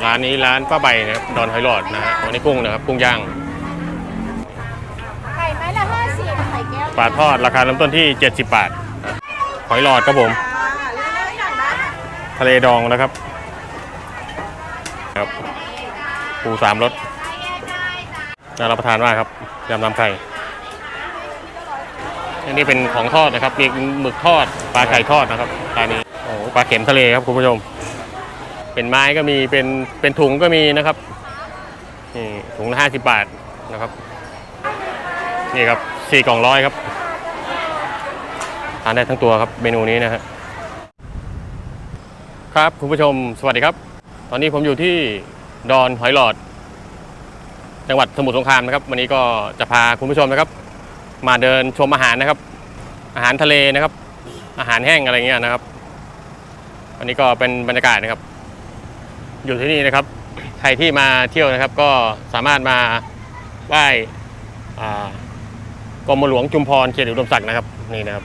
ร้านนี้ร้านป้าใบนะครับดอนหอยหลอดนะฮะวันนี้กุ้งนะครับกุ้งย่างไข่ไม้ละ50ไข่แก้วปลาทอดราคาเริ่มต้นที่70 บาทหอยหลอดครับผมทะเลดองนะครับครับปู3 รสน่ารับประทานมากครับยำน้ำไข่อันนี้เป็นของทอดนะครับมีหมึกทอดปลาไก่ทอดนะครับร้านนี้โอ้ปลาเข็มทะเลครับคุณผู้ชมเป็นไม้ก็มีเป็นถุงก็มีนะครับนี่ถุงละ50 บาทนะครับนี่ครับ4 กล่อง100ครับทานได้ทั้งตัวครับเมนูนี้นะฮะครับคุณผู้ชมสวัสดีครับตอนนี้ผมอยู่ที่ดอนหอยหลอดจังหวัดสมุทรสงครามนะครับวันนี้ก็จะพาคุณผู้ชมนะครับมาเดินชมอาหารนะครับอาหารทะเลนะครับอาหารแห้งอะไรเงี้ยนะครับวันนี้ก็เป็นบรรยากาศนะครับอยู่ที่นี่นะครับใครที่มาเที่ยวนะครับก็สามารถมาไหว้กรมหลวงชุมพรเขตอุดมศักดิ์นะครับนี่นะครับ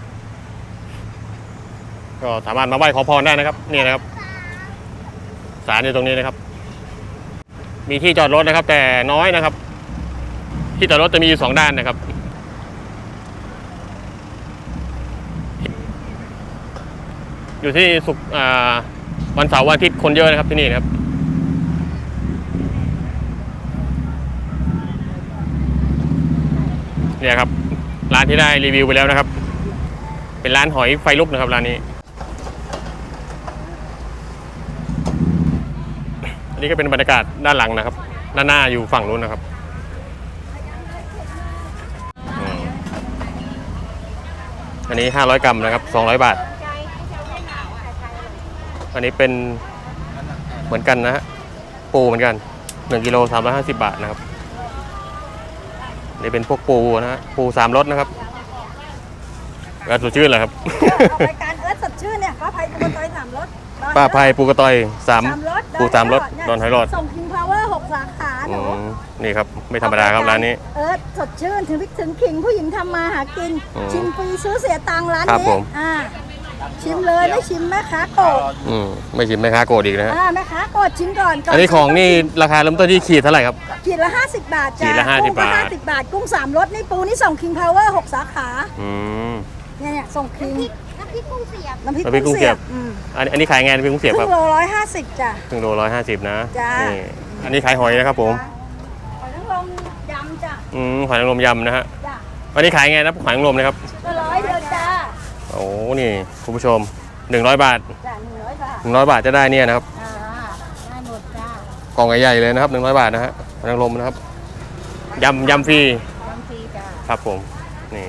ก็สามารถมาไหว้ขอพรได้นะครับนี่นะครับศาลอยู่ตรงนี้นะครับมีที่จอดรถนะครับแต่น้อยนะครับที่จอดรถจะมีอยู่2 ด้านนะครับอยู่ที่วันเสาร์วันอาทิตย์คนเยอะนะครับที่นี่นะครับเนี่ยครับร้านที่ได้รีวิวไปแล้วนะครับเป็นร้านหอยไฟลุกนะครับร้านนี้อันนี้ก็เป็นบรรยากาศด้านหลังนะครับด้านหน้าอยู่ฝั่งนู้นนะครับอันนี้500 กรัมนะครับ200 บาทอันนี้เป็นเหมือนกันนะฮะปูเหมือนกัน1 กิโล350 บาทนะครับนี่เป็นพวกปูนะฮะปู3 รสนะครับก็สดชื่นเลยครับรายการสดชื่นเนี่ยป้าไพปูกระต่อย3 รสป้าไพปูกระต่อย3 ปู3 รสดอนหอยหลอดส่งคิงพาวเวอร์6 สาขาหนูนี่ครับไม่ธรรมดาครับร้านนี้สดชื่นถึงพริกถึงขิงผู้หญิงทำมาหากินชิมฟรีซื้อเสียตังค์ร้านนี้ชิมเลยไม่ชิมแม่ค้าโกรธไม่ชิมแม่ค้าโกรธอีกนะฮะแม่ค้าโกรธชิมก่อนอันนี้ของนี่ราคาเริ่มต้นที่ขีดเท่าไหร่ครับขีดละ50 บาทจ้าขีดละ50 บาท 50 บาทกุ้ง3 รสนี่ปูนี่ส่งคิงพาวเวอร์6 สาขาเนี่ยส่งคิงน้ำพริกกุ้งเสียบอันนี้ขายไงน้ำพริกกุ้งเสียบครับครึ่งโล150จ้ะครึ่งโล150นะจ้าอันนี้ขายหอยนะครับผมหอยนางรมยำจ้ะหอยนางรมยำนะฮะอันนี้ขายไงนะหอยนางรมนะครับ 100 เดียวจ้าโอ้นี่คุณผู้ชม100 บาทจ้ะ 100 บาทจะได้เนี่ยนะครับได้หมดจ้ากล่องใหญ่ๆเลยนะครับ100 บาทนะฮะหอยนางรมนะครับยำฟรีจ้าครับผมนี่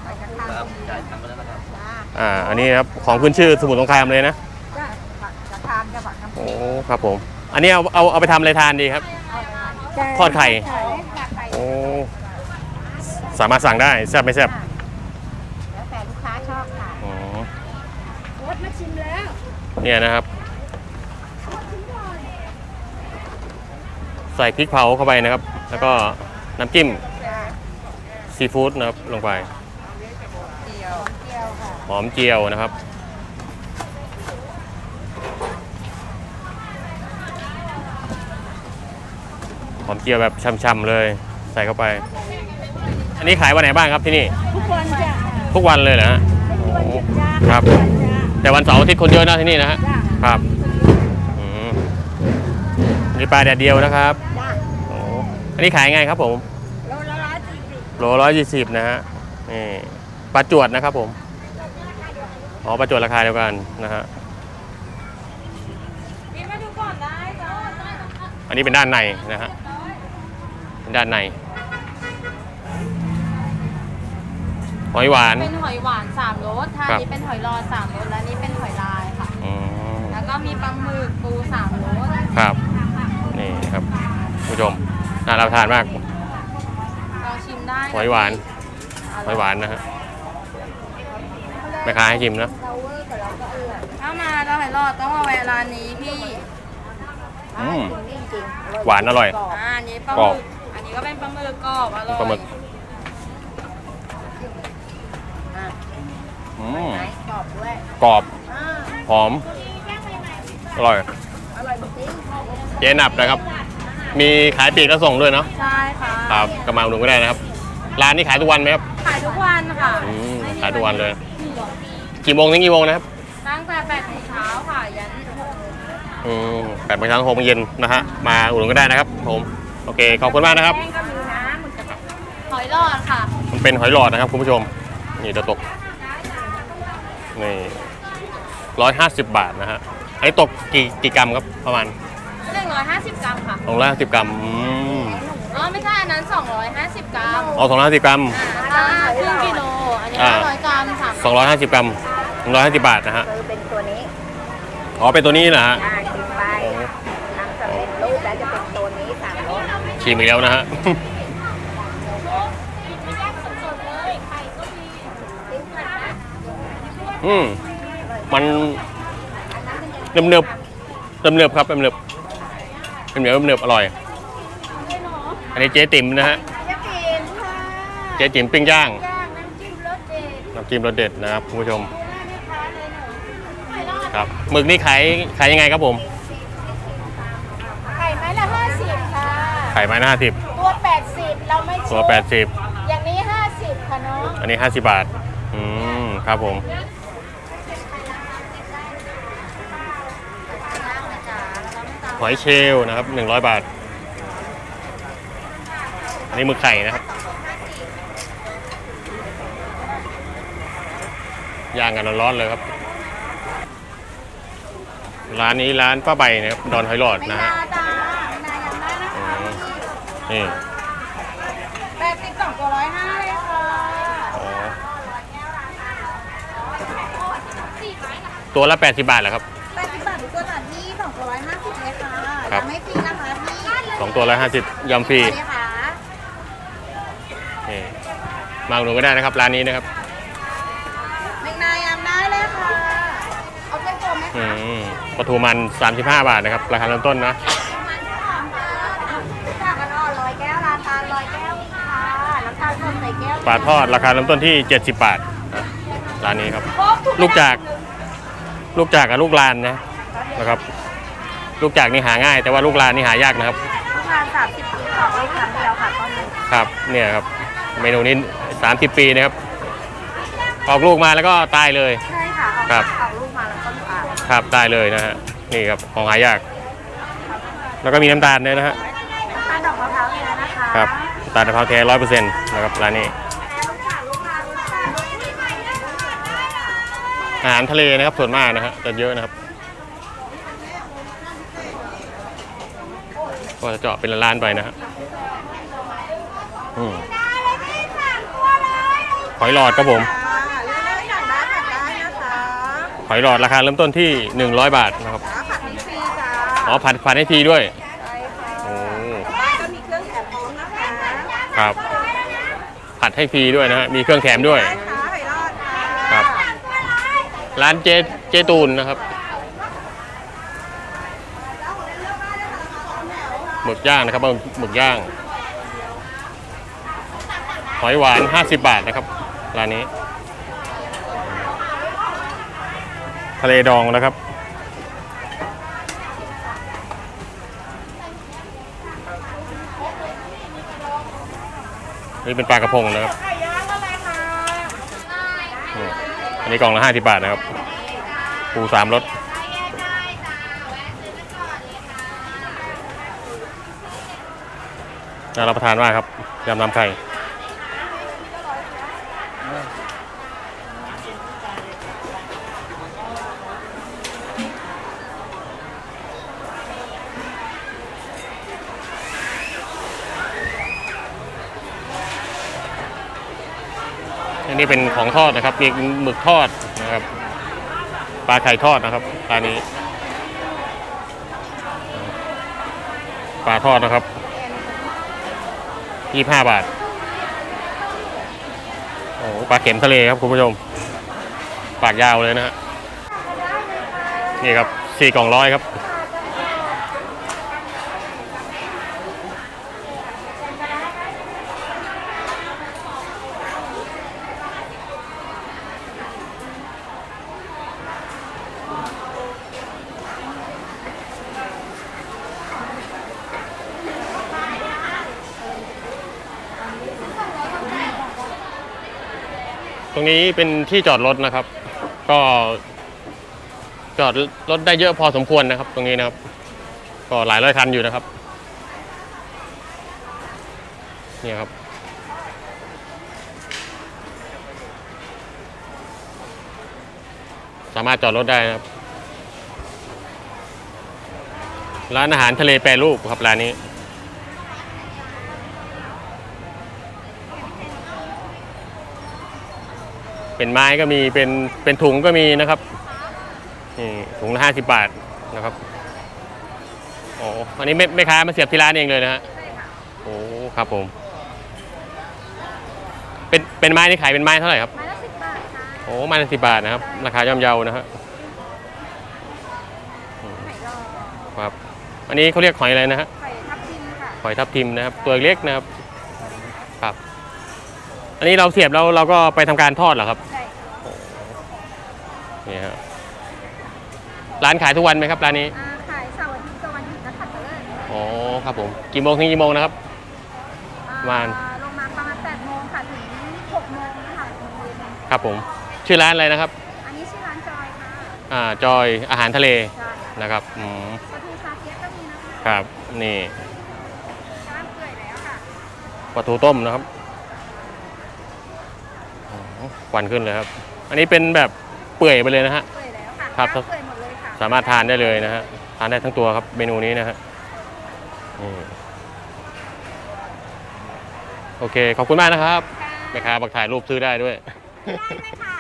อันนี้ครับของขึ้นชื่อสมุทรสงครามเลยนะจะทานจะบักโอ้ครับผมอันนี้เอาไปทำอะไรทานดีครับทอดไข่โอ้สามารถสั่งได้แซ่บไม่แซ่บแล้วแต่ลูกค้าชอบค่ะรสมาชิมแล้วเนี่ยนะครับใส่พริกเผาเข้าไปนะครับแล้วก็น้ำจิ้มซีฟู้ดนะครับลงไปหอมเจียวนะครับหอมเจียวแบบช่ำๆเลยใส่เข้าไปอันนี้ขายวันไหนบ้างครับที่นี่ทุกวันจ้ะทุกวันเลยเหรอฮะครับแต่วันเสาร์อาทิตย์คนเยอะนะที่นี่นะฮะครับนี่ปลาแดดเดียวนะครับอันนี้ขายไงครับผมโลละ140นะฮะนี่ปลาจวดนะครับผมประจวดราคาเดียวกันนะฮะอันนี้เป็นด้านในนะฮะด้านในหอยหวานเป็นหอยหวาน3 รสทานนี้เป็นหอยลอด3 รสและนี้เป็นหอยลายค่ะแล้วก็มีปลาหมึกปู3 รสครับนี่ครับผู้ชมน่ารับทานมากเราชิมได้หอยหวานนะฮะแม่ค้าให้ชิมนะถ้ามาเราหอยลอดต้องมาแวะร้านนี้พี่หวานอร่อยอันนี้ปลาหมึกอันนี้ก็เป็นปลาหมึกกรอบอร่อยปลาหมึกกรอบด้วยกรอบหอมอร่อยร่อยจริงเจ๊หนับนะครับ มีขายปลีกและส่งด้วยเนาะใช่ค่ะครับก็มาอุดหนุนก็ได้นะครับ ร้านนี้ขายทุกวันไหมครับขายทุกวันค่ะขายทุกวันเลย กี่โมงถึงกี่โมงนะครับตั้งแต่8 โมงเช้าค่ะ ยัน 8 โมงเช้าถึง 6 โมงเย็นนะฮะ มาอุดหนุนก็ได้นะครับผม โอเค ขอบคุณมากนะครับแป้งก็มีนะหมึกกระหอยหลอดค่ะมันเป็นหอยหลอดนะครับคุณผู้ชม นี่เดี๋ยวตก นี่150 บาทนะฮะอันนี้ตกกี่กรัมครับประมาณ 150 กรัมค่ะ 250 กรัมอ๋อไม่ใช่อันนั้น250 กรัมอ๋อ250 กรัมครึ่งกิโล อันนี้100 กรัม 250 กรัม150 บาทนะฮะคือเป็นตัวนี้อ๋อ เป็นตัวนี้เหรอฮะชิมไปทำสำเร็จรูปแล้วจะเป็นตัวนี้3 รสชิมอีกแล้วนะฮะ มันเนิบครับเนิบอร่อย อันนี้เจ๊ติ๋มนะฮะจะกินค่ะเจ๊ติ๋มปิ้งย่างย่างน้ำจิ้มรสเด็ดน้ำจิ้มรสเด็ดนะครับคุณผู้ชม ครับหมึกนี่ขายยังไงครับผมไข่ไม้ละ50ค่ะขายไม้ละ50 ตัว80เราไม่ตัวอย่างนี้50ค่ะน้อง 80อันนี้50 บาทครับผมหอยเชลล์นะครับ100 บาทอันนี้หมึกไข่นะครับย่างกันร้อนๆเลยครับร้านนี้ร้านป้าใบนะครับดอนหอยหลอดนะฮะนาจ้านายังได้นะคะนี่ 82ตัว105เลยค่ะอ๋อตัวละ80 บาทเหรอครับ 80 บาททุกตัวจ้ะที่2ตัว150เลยค่ะครับยังไม่ฟรีนะคะพี่ 2 ตัว150ยำฟรีเลยค่ะนี่มาอุดหนุนก็ได้นะครับร้านนี้นะครับเมงนายำได้เลยค่ะ เอาเป็นตัวไหมคะปลาทูมัน35 บาทนะครับราคาเริ่มต้นนะมันหอมค่ะจากกันอ่อน100 แก้วราคา100 แก้วค่ะน้ำตาลสดใส่แก้วปลาทอดราคาเริ่มต้นที่ 70 บาทนะร้านนี้ครับ ลูกจากกับลูกลานนะครับ ลูกจากนี่หาง่าย แต่ว่าลูกลานนี่หายากนะครับประมาณ30 ปีของลูกครั้งเดียวค่ะตอนนี้ครับเนี่ยครับเมนูนี้30 ปีนะครับออกลูกมาแล้วก็ตายเลยใช่ค่ะครับเอาลูกมาแล้วก็ลูกอ่านครับตายเลยนะฮะนี่ครับของหายาก แล้วก็มีน้ำตาลด้วยนะฮะน้ำตาลดอกมะพร้าวเนี่ยนะคะครับตาลมะพร้าวแท้100%นะครับร้านนี้อาหารทะเลนะครับส่วนมากนะฮะจะเยอะนะครับก็จะเจาะเป็นร้านๆไปนะฮะหอยหลอดครับผมเลือกสั่งได้ผัดได้นะคะหอยหลอดราคาเริ่มต้นที่100 บาทนะครับผัดฟรีจ้าอ๋อผัดให้ฟรีด้วยใช่ค่ะโอ้บ้านก็มีเครื่องแถมพร้อมนะคะครับผัดให้ฟรีด้วยนะฮะมีเครื่องแถมด้วยได้ค่ะหอยรอดค่ะครับร้านเจตูนนะครับหมึกย่างนะครับหมึกย่างหอยหวาน50 บาทนะครับร้านนี้ทะเลดองนะครับ นี่เป็นปลากระพงนะครับไข่ย่างอะไรคะอันนี้กล่องละ50 บาทนะครับปู3 รสน่ารับประทานมากครับยำน้ำไข่อันนี้เป็นของทอดนะครับมีหมึกทอดนะครับปลาไข่ทอดนะครับร้านนี้ปลาทอดนะครับ25 บาทโอ้ปลาเข็มทะเลครับคุณผู้ชมปากยาวเลยนะฮะนี่ครับ4 กล่อง100ครับตรงนี้เป็นที่จอดรถนะครับ ก็จอดรถได้เยอะพอสมควรนะครับ ตรงนี้นะครับ ก็หลายร้อยคันอยู่นะครับเนี่ยครับสามารถจอดรถได้นะครับ ร้านอาหารทะเลแปรรูปครับร้านนี้เป็นไม้ก็มีเป็นถุงก็มีนะครับนี่ถุงละ50 บาทนะครับโอ้อันนี้ไม่ค้ามาเสียบที่ร้านเองเลยนะฮะโอ้ครับผมเป็นไม้นี่ขายเป็นไม้เท่าไหร่ครับไม้ละ10 บาทค่ะโอ้ไม้ละ10 บาทนะครับราคาย่อมเยานะฮะหอยรอครับอันนี้เขาเรียกหอยอะไรนะฮะหอยทับทิมค่ะหอยทับทิมนะครับตัวเล็กนะครับครับอันนี้เราเสียบแล้วเราก็ไปทำการทอดเหรอครับใช่นี่ฮะร้านขายทุกวันไหมครับร้านนี้ขายเสาร์อาทิตย์กับวันหยุดนักขัตฤกษ์อ๋อครับผมกี่โมงถึงกี่โมงนะครับ ประมาณลงมาประมาณ8 โมงค่ะถึง6 โมงนะคะถึงเย็นครับผมชื่อร้านอะไรนะครับอันนี้ชื่อร้านจอยค่ะจอยอาหารทะเลใช่นะครับปลาทูชาเทียก็มีนะคะครับนี่ร้านเปื่อยแล้วค่ะปลาทูต้มนะครับอ๋อควันขึ้นเลยครับ อันนี้เป็นแบบเปื่อยไปเลยนะฮะเปื่อยแล้วค่ะครับน้ำเปื่อยหมดเลยค่ะสามารถทานได้เลยนะฮะทานได้ทั้งตัวครับเมนูนี้นะฮะนี่โอเคขอบคุณมากนะครับแม่ค้าบักถ่ายรูปซื้อได้ด้วยได้ไหมค่ะ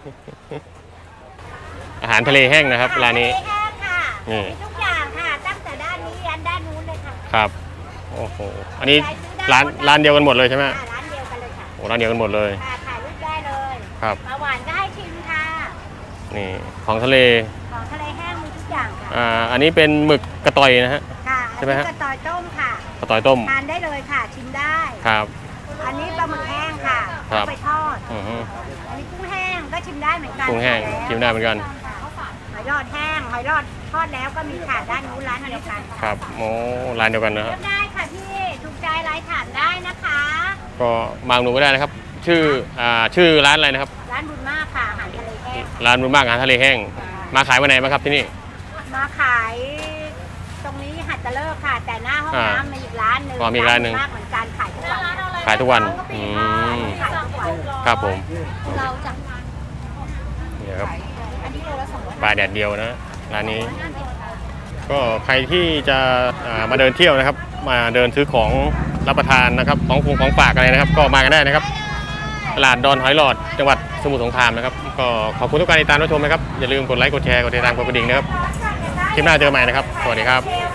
อาหารทะเลแห้งนะครับร้านนี้แห้งค่ะนี่มีทุกอย่างค่ะ ตั้งแต่ด้านนี้ยันด้านนู้นเลยค่ะครับโอ้โหอันนี้ร้านเดียวกันหมดเลยใช่ไหมร้านเดียวกันเลยค่ะโอ้ร้านเดียวกันหมดเลยค่ะถ่ายรูปได้เลยครับปลาหวานก็ให้ชิมค่ะนี่ของทะเลของทะเลแห้งมีทุกอย่างค่ะอันนี้เป็นหมึกกระต่อยนะฮะค่ะใช่ไหมฮะอันนี้กระต่อยต้มค่ะกระต่อยต้มทานได้เลยค่ะ ชิมได้ครับอันนี้ปลาหมึกแห้งค่ะครับเอาไปทอดอือฮึอันนี้กุ้งแห้งก็ชิมได้เหมือนกันกุ้งแห้งล้วชิมได้เหมือนกันหอยรอดแห้งหอยรอดทอดแล้วก็มีค่ะด้านนู้นร้านเดียวกันครับโอ้ร้านเดียวกันนะคเลืรัอบ กได้ค่ะพี่ถูกใจไลน์ถามได้นะคะก็มาอุดหนูก็ได้นะครับ ชื่อร้านอะไรนะครับร้านบุญมากค่ะอาหารทะเลแห้งร้านบุญมากอาหารทะเลแห้งมาขายวันไหนบ้างครับที่นี่มาขายตรงนี้หัดตะเลิกค่ะ แต่หน้าห้องอ่าน้ำมีอีกร้านหนึ่งอ๋อมีอีกร้านหนึ่งมากเหมือนกันขายทุกวันขายทุกวันก็ปีอืทอดมขายทุกวันครับผมเราจะนี่ครับอันนี้โลละ200 ปลาแดดเดียวนะร้านนี้ ก็ใครที่จะมาเดินเที่ยวนะครับ มาเดินซื้อของรับประทานนะครับของฝากอะไรนะครับ ก็มากันได้นะครับตลาดดอนหอยหลอดจังหวัดสมุทรสงครามนะครับ ก็ขอบคุณทุกการติดตามรับชมนะครับอย่าลืมกดไลค์กดแชร์กดติดตามกดกระดิ่งนะครับคลิปหน้าเจอกันใหม่นะครับสวัสดีครับ